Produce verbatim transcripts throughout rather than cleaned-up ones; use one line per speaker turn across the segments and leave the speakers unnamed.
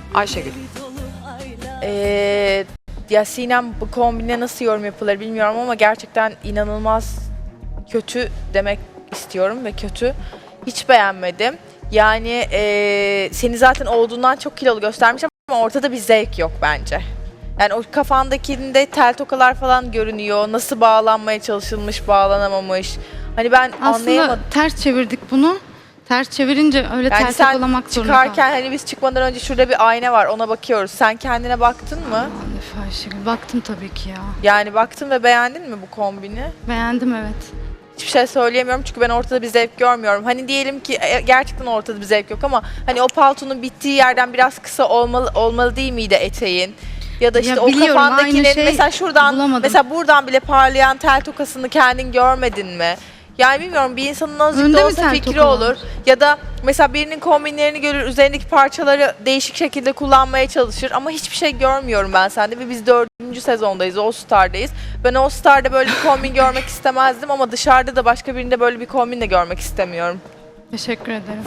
Ayşegül.
Ee, ya Sinem, bu kombine nasıl yorum yapılır bilmiyorum ama gerçekten inanılmaz kötü demek istiyorum ve kötü. Hiç beğenmedim. Yani ee, seni zaten olduğundan çok kilolu göstermiş ama ortada bir zevk yok bence. Yani o kafandakinde tel tokalar falan görünüyor. Nasıl bağlanmaya çalışılmış, bağlanamamış. Hani ben
Aslında
anlayamadım.
ters çevirdik bunu. Ters çevirince öyle
Yani
ters
sen
yakalamak zorunda
çıkarken hani biz çıkmadan önce şurada bir ayna var, ona bakıyoruz. Sen kendine baktın mı?
kaldık. Ayşegül, baktım tabii ki ya.
Yani baktın ve beğendin mi bu kombini?
Beğendim, evet.
Hiçbir şey söyleyemiyorum çünkü ben ortada bir zevk görmüyorum. Hani diyelim ki e, gerçekten ortada bir zevk yok ama hani o paltonun bittiği yerden biraz kısa olmalı olmalı değil miydi eteğin? Ya da işte
Ya
o
biliyorum,
kafandakinin
aynı şey
mesela şuradan
bulamadım.
mesela buradan bile parlayan tel tokasını kendin görmedin mi? Yani bilmiyorum, bir insanın azıcık
Önde
da
mi
olsa
tel
fikri
toka var?
olur. Ya da mesela birinin kombinlerini görür, üzerindeki parçaları değişik şekilde kullanmaya çalışır ama hiçbir şey görmüyorum ben sende ve biz dördüncü sezondayız, All Star'dayız. Ben All Star'da böyle bir kombin görmek istemezdim ama dışarıda da başka birinde böyle bir kombin de görmek istemiyorum.
Teşekkür ederim.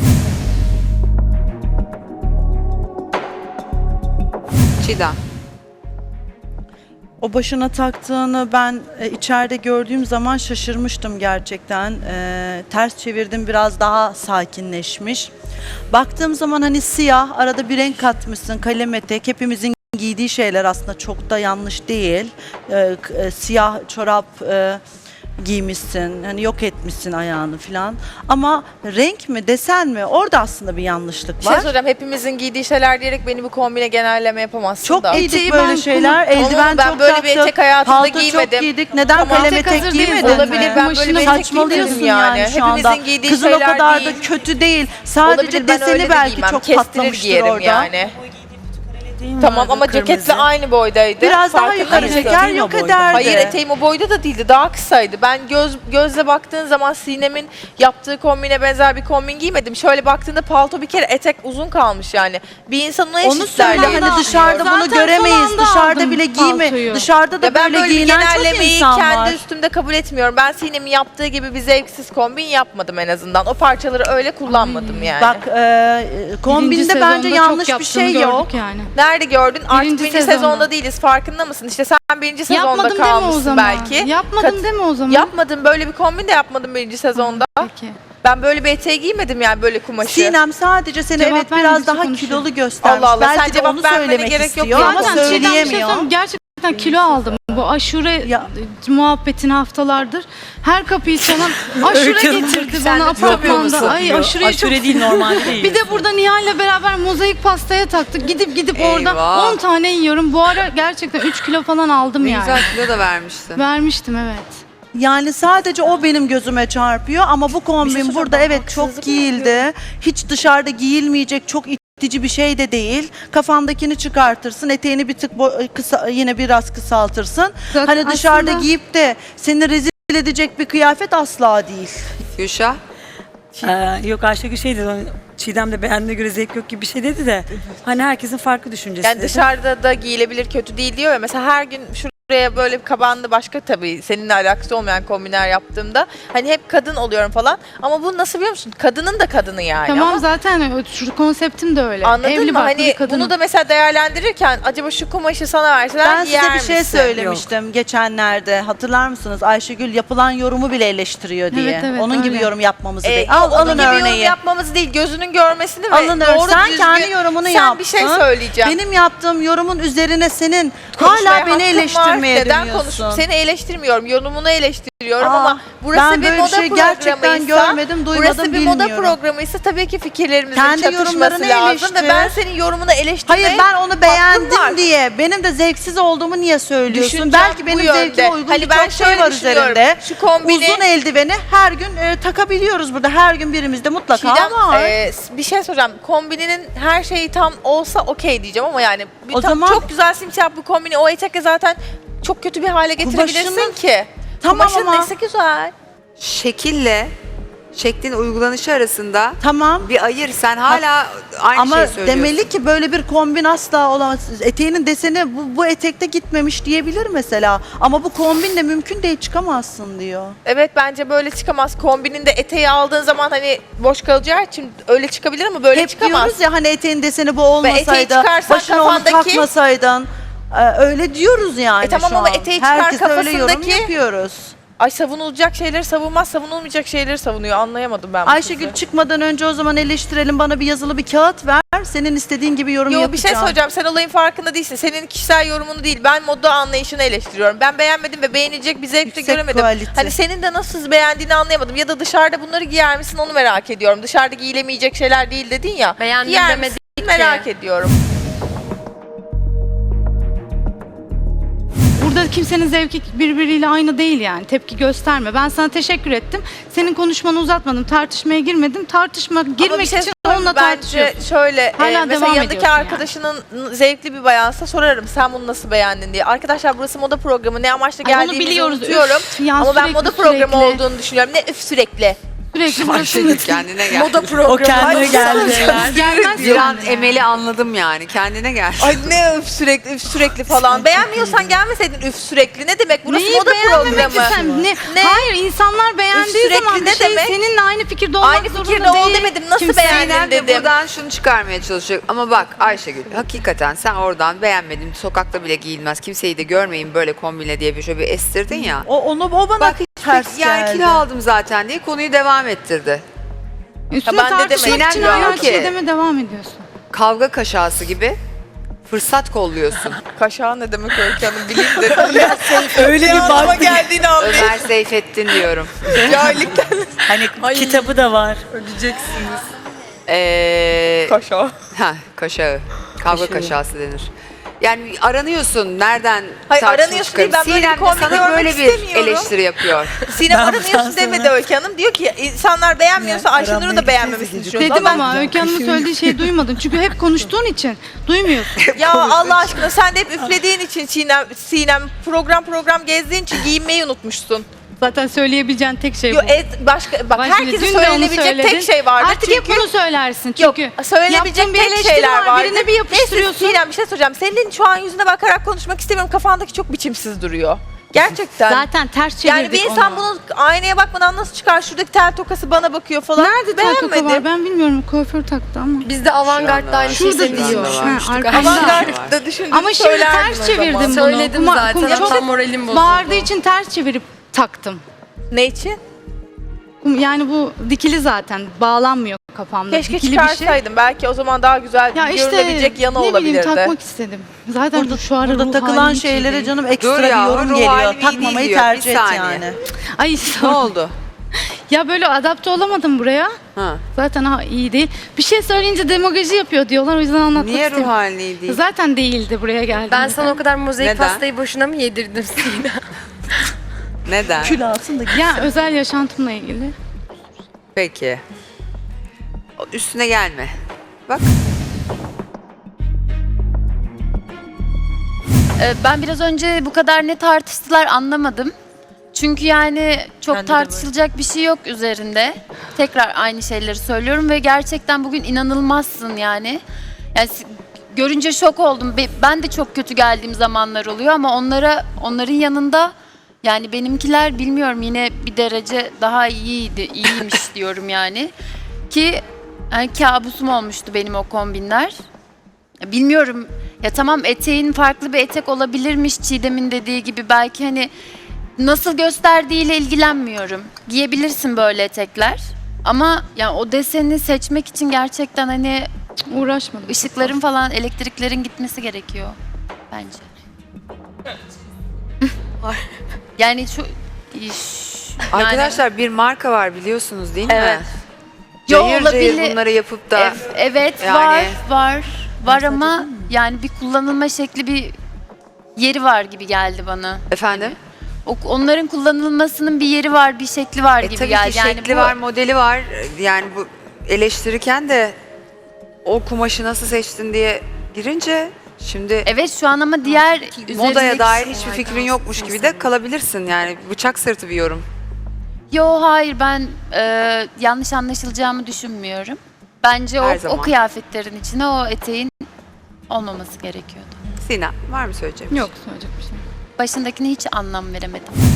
Çiğdem.
O başına taktığını ben e, içeride gördüğüm zaman şaşırmıştım gerçekten. E, ters çevirdim, biraz daha sakinleşmiş. Baktığım zaman hani siyah, arada bir renk katmışsın, kalem etek. Hepimizin giydiği şeyler aslında çok da yanlış değil. E, k- e, siyah çorap e, giymişsin, hani yok etmişsin ayağını falan. Ama renk mi, desen mi? Orada aslında bir yanlışlık
Bir şey
var.
soracağım, hepimizin giydiği şeyler diyerek beni bu kombine genelleme yapamazsın
Çok
da.
giydik
Eteği
böyle
ben
şeyler.
kullan-
Eldiven
Ama ben
çok
böyle bir etek
taktık.
hayatımda
Palto
giymedim.
çok giydik. Neden
Tamam.
kalem
Tek
etek
hazır değil,
giymedin
Olabilir,
mi?
ben böyle
Başına
bir etek
Saçmalıyorsun
giymedim yani.
yani şu anda.
Hepimizin giydiği
Kızın o
şeyler
kadar
değil.
da kötü değil. Sadece
Olabilir, ben öyle
deseni
de
belki
giymem.
çok
Kestirir
patlamıştır
giyerim
orada.
yani. Tamam ama ceketle aynı boydaydı.
Biraz daha
Farkında
yukarı
mısın?
çeker yok ederdi.
Hayır, eteğim o boyda da değildi. Daha kısaydı. Ben göz gözle baktığın zaman Sinem'in yaptığı kombine benzer bir kombin giymedim. Şöyle baktığında palto bir kere etek uzun kalmış yani. Bir insanın ne
Onu söyle, hani dışarıda bunu
Zaten
göremeyiz.
son anda
Dışarıda
aldım
bile giyme.
paltoyu.
Dışarıda da
Ya ben
böyle
böyle bir
giyinen çok
genellemeyi
insan
kendi
var.
üstümde kabul etmiyorum. Ben Sinem'in yaptığı gibi bir zevksiz kombin yapmadım en azından. O parçaları öyle kullanmadım yani.
Bak e, kombinde
Birinci
bence
sezonda
yanlış
çok
bir şey
yaptığını
yok.
gördük yani.
Nerede gördün? Artık
Birinci
birinci
sezonda.
sezonda değiliz. Farkında mısın? İşte sen birinci sezonda
Yapmadım deme o
kalmışsın
zaman.
belki.
Yapmadım
Kat-
deme o zaman.
Yapmadım. Böyle bir kombin de yapmadım birinci sezonda.
Peki.
Ben böyle bir eteği giymedim yani, böyle kumaşı.
Sinem sadece seni
Cevap
evet
vermedikçe
biraz daha
konuşuyor.
kilolu göstermiş.
Allah Allah, sen
Belki de
cevap
onu
vermene
söylemek
gerek yok
istiyor
ya.
ama
Zaten Çiğdem, bir şey
söyleyemiyor.
söyleyeyim, gerçekten kilo aldım. Bu aşure
Ya.
muhabbetini haftalardır. Her kapıyı çalan aşure getirdi bana apartmanda. Ay aşureyi çok
Aşure değil, normal değil.
Bir de burada Nihal'le beraber mozaik pastaya taktık. Gidip gidip orada
Eyvah.
on tane yiyorum. Bu ara gerçekten üç kilo falan aldım
Ne
yani.
güzel kilo da vermişsin.
Vermiştim, evet.
Yani sadece o benim gözüme çarpıyor ama bu kombin
söyleyeceğim,
burada
ben
evet
haksızlık
çok
mı
giyildi. Hiç dışarıda giyilmeyecek çok itici bir şey de değil. Kafandakini çıkartırsın, eteğini bir tık bo- kısa, yine biraz kısaltırsın.
Zaten
Hani dışarıda
aslında-
giyip de seni rezil edecek bir kıyafet asla değil.
Gülşah.
Ee, yok Ayşegül şey dedi, hani Çiğdem de beğendiğine göre zevk yok gibi bir şey dedi de hani herkesin farklı düşüncesi
Yani
dedi.
dışarıda da giyilebilir, kötü değil diyor ya. Mesela her gün şuraya böyle bir kabanlı başka, tabii seninle alakası olmayan kombinler yaptığımda hani hep kadın oluyorum falan. Ama bu nasıl biliyor musun? Kadının da kadını yani.
Tamam,
Ama
zaten şu konseptim de öyle.
anladın
Evli
mı?
barklı
Hani
bir kadınım.
bunu da mesela değerlendirirken acaba şu kumaşı sana verseler
Ben
giyer
size bir şey
misin?
söylemiştim geçenlerde. Hatırlar mısınız? Ayşegül yapılan yorumu bile eleştiriyor diye.
Evet, evet,
Onun gibi
öyle.
yorum yapmamızı
Ee,
değil.
yok,
Al
onun
alın
gibi yorum
örneği.
yapmamız değil, gözünün görmesini ve
Alın
doğru
sen
düzgün.
kendi yorumunu
Sen
yaptın.
bir şey söyleyeceğim.
Benim yaptığım yorumun üzerine senin
Konuşmaya
hala beni
hakkım var.
eleştirmeye
Neden
dönüyorsun.
konuşup seni eleştirmiyorum, yorumunu eleştiriyorum
Aa,
ama burası
ben
bir
böyle
moda
şey gerçekten
programıysa,
görmedim, duymadım,
burası bir moda
bilmiyorum.
programıysa tabii ki fikirlerimizin
Kendi
çatışması
yorumlarını
lazım ve
eleştir.
ben senin yorumunu eleştirmeye
Hayır, ben onu
hakkım
beğendim
var.
diye benim de zevksiz olduğumu niye söylüyorsun?
Düşüncem
Belki
bu
benim
yönde.
zevkime uygun
Hani ben
birçok şey
şöyle
var
düşünüyorum,
üzerinde.
şu kombini-
Uzun eldiveni her gün e, takabiliyoruz burada. Her gün birimizde mutlaka
Çiğdem,
var.
e, bir şey soracağım. Kombininin her şeyi tam olsa okey diyeceğim ama yani bir
O
tam
zaman-
çok güzel simsiyah bu kombini o etekle zaten çok kötü bir hale getirebilirsin
Kumaşının-
ki.
Tamam
Kumaşın
ama-
nesi güzel?
Şekille şeklin uygulanışı arasında
Tamam.
bir ayır. Sen hala aynı
Ama
şeyi söylüyorsun.
demeli ki böyle bir kombin asla olamaz. Eteğinin deseni bu, bu etekte gitmemiş diyebilir mesela. Ama bu kombinle mümkün değil, çıkamazsın diyor.
Evet, bence böyle çıkamaz. Kombinin de eteği aldığın zaman hani boş kalacağı için öyle çıkabilir ama böyle
Hep
çıkamaz.
diyoruz ya hani eteğin deseni bu
eteği
olmasaydı,
çıkarsan
başına onu
kafandaki-
takmasaydın. Ee, öyle diyoruz yani
E tamam
şu
ama
an.
eteği çıkar
Herkese öyle yorum
kafasındaki-
yapıyoruz.
Ay, savunulacak şeyleri savunmaz, savunulmayacak şeyleri savunuyor. Anlayamadım ben bu
Ayşegül
kızı.
çıkmadan önce o zaman eleştirelim, bana bir yazılı bir kağıt ver. Senin istediğin gibi yorum
Yo, bir
yapacağım.
şey söyleyeceğim. Sen olayın farkında değilsin. Senin kişisel yorumunu değil. Ben moda anlayışını eleştiriyorum. Ben beğenmedim ve beğenilecek bir zevk de
Yüksek
göremedim.
kalite.
Hani senin de nasıl beğendiğini anlayamadım. Ya da dışarıda bunları giyer misin onu merak ediyorum. Dışarıda giyilemeyecek şeyler değil dedin ya.
Beğendim
Giyer
demedik
misin?
ki.
Merak ediyorum.
Burada kimsenin zevki birbiriyle aynı değil yani. Tepki gösterme. Ben sana teşekkür ettim. Senin konuşmanı uzatmadım. Tartışmaya girmedim. Tartışma
Ama
girmek
bir şey
için
söyleyeyim,
onunla
bence
tartışıyorsun.
şöyle
Hala
e, mesela
devam
yanındaki
ediyorsun yani.
arkadaşının zevkli bir bayansa sorarım sen bunu nasıl beğendin diye. Arkadaşlar burası moda programı, ne amaçla
Ay, onu
geldiğimizi
biliyoruz.
unutuyorum.
Üf, ya
Ama ben
sürekli,
moda programı
sürekli.
olduğunu düşünüyorum. Ne üf sürekli.
Sürekli burası
Ayşegül kendine gel.
Moda programı.
O kendine
Ay,
geldi.
gelmez
Bir an
yani.
Emel'i anladım yani. Kendine gel.
Ay ne üf sürekli üf sürekli falan. Beğenmiyorsan gelmeseydin üf sürekli. Ne demek? Burası
Neyi
moda
beğenmemek
programı.
sen? Ne?
Ne?
Hayır, insanlar beğendiği
sürekli
zaman bir
ne
şey
demek?
seninle aynı fikirde olmak
Aynı
zorunda
fikirde ol
değil.
demedim. Nasıl
Kimse-
beğendin
Zeynep de
dedim.
buradan şunu çıkarmaya çalışıyor. Ama bak Ayşegül hakikaten sen oradan beğenmedin. Sokakta bile giyilmez. Kimseyi de görmeyin böyle kombine diye bir şöyle bir estirdin ya.
O, onu, o bana
Bak
ters
yani
geldi.
kilo aldım zaten diye konuyu devam ettirdi.
Üstüne
Ya ben de
tartışmak
demedim.
için
Sinem
hala
diyor
bir
ki-
şey deme devam ediyorsun.
Kavga kaşası gibi fırsat kolluyorsun.
Kaşağı ne demek Öykü Hanım bileyim de.
Öyle bir
Anlama
baktı.
geldiğini anlayayım.
Ömer Seyfettin diyorum.
Cahillikten
Hani
Ay.
kitabı da var.
öleceksiniz.
Ee,
Kaşağı.
ha, kaşağı. Kavga
Kaşağı.
kaşası denir. Yani aranıyorsun nereden
Hayır,
tartışma
aranıyorsun değil,
çıkarım.
ben böyle bir
Sinem de
kombin
sana
görmek
böyle bir
istemiyorum.
eleştiri yapıyor.
Sinem
Ben
aranıyorsun
bundan
demedi
sonra-
Öykü Hanım. Diyor ki insanlar beğenmiyorsa
Ya,
Ayşenur'u
aramaya
da beğenmemesini
gideceğiz
düşünüyorsun.
Dedim
Ama
ama Öykü Hanım'ın söylediği şeyi duymadın. Çünkü hep konuştuğun için duymuyorsun.
ya Allah aşkına sen de hep üflediğin için Sinem, Sinem program program gezdiğin için giyinmeyi unutmuşsun.
Zaten söyleyebileceğin tek şey bu.
Yo, et, başka, bak
Bak şimdi
herkesin
dün de onu
söylenebilecek
söyledin.
tek şey vardır.
Artık
çünkü...
hep bunu söylersin
Yok,
çünkü.
söylenebilecek
yaptığın bir
tek
eleştiri
şeyler
var,
vardır.
birine bir yapıştırıyorsun.
Neyse Sinem bir şey soracağım. Senin şu an yüzüne bakarak konuşmak istemiyorum. Kafandaki çok biçimsiz duruyor. Gerçekten.
Zaten ters çevirdik
yani bir insan
onu.
bunu aynaya bakmadan nasıl çıkar? Şuradaki tel tokası bana bakıyor falan.
Nerede tel toka
Beğenmedim.
var ben bilmiyorum. Kuaför taktı ama.
Biz de avantgardda aynı şeyi
Şurada
diyor.
diyor.
var.
Ha, arkada.
Avantgard'da düşündüğümü
Ama şimdi
söylerdim
ters
o
çevirdim
zaman.
bunu.
Söyledim
Kuma-
zaten.
kuma-
Hatta moralim bozuldu.
Bağırdığı için ters çevirip taktım.
Ne için?
Yani bu dikili zaten. Bağlanmıyor kafamda.
Keşke
dikili bir şey.
çıkarsaydım. Belki o zaman daha güzel
Ya işte
görülebilecek yanı
ne bileyim
olabilirdi.
takmak istedim. Zaten
Burada,
şu ara
burada
ruh
takılan
halim hiç iyi
şeylere
değil.
canım ekstra
Dur
bir
ya,
yorum
ruh
geliyor.
halim iyi değil
Takmamayı
diyor. Bir
tercih et
saniye.
yani.
Ay
Ne oldu?
Ya böyle adapte olamadım buraya.
Ha.
Zaten ha, iyi değil. Bir şey söyleyince demagoji yapıyor diyorlar. O yüzden anlatmak
Niye ruh
istemiyorum.
halin iyi değil?
Zaten değildi buraya geldiğimde.
Ben sana o kadar mozaik
Neden?
pastayı boşuna mı yedirdim Sinem?
Neden?
Kül alsın da
Ya özel yaşantımla ilgili.
Peki. O üstüne gelme. Bak.
Ee, Ben biraz önce bu kadar ne tartıştılar anlamadım. Çünkü yani çok
Bende de
tartışılacak bir şey yok üzerinde. Tekrar aynı şeyleri söylüyorum ve gerçekten bugün inanılmazsın yani. Yani si- görünce şok oldum. Be- Ben de çok kötü geldiğim zamanlar oluyor ama onlara onların yanında yani benimkiler bilmiyorum yine bir derece daha iyiydi, iyiymiş diyorum yani. Ki yani kabusum olmuştu benim o kombinler. Ya bilmiyorum. Ya tamam eteğin farklı bir etek olabilirmiş Çiğdem'in dediği gibi. Belki hani nasıl gösterdiğiyle ilgilenmiyorum. Giyebilirsin böyle etekler. Ama yani o deseni seçmek için gerçekten hani
Uğraşmadım.
ışıkların falan elektriklerin gitmesi gerekiyor bence. Yani şu iş- yani-
Arkadaşlar bir marka var biliyorsunuz değil mi?
Evet.
Yo,
Cayır cayır
olabilir.
bunları yapıp da
Ev- evet
Yani-
var var var ama yani bir kullanılma şekli bir yeri var gibi geldi bana.
efendim.
O, onların kullanılmasının bir yeri var, bir şekli var
E
gibi
tabii
geldi.
ki
Yani
şekli
bu-
var, modeli var. Yani bu eleştirirken de o kumaşı nasıl seçtin diye girince şimdi
Evet şu an ama diğer
modaya
üzerindeki-
dair hiçbir fikrin yokmuş gibi de kalabilirsin yani bıçak sırtı bir yorum.
Yo hayır ben e, yanlış anlaşılacağımı düşünmüyorum. Bence
Her
o,
zaman.
o kıyafetlerin içine o eteğin olmaması gerekiyordu.
Sinem var mı söyleyeceğim?
Yok söyleyecek bir şey.
Başındakine hiç anlam veremedim.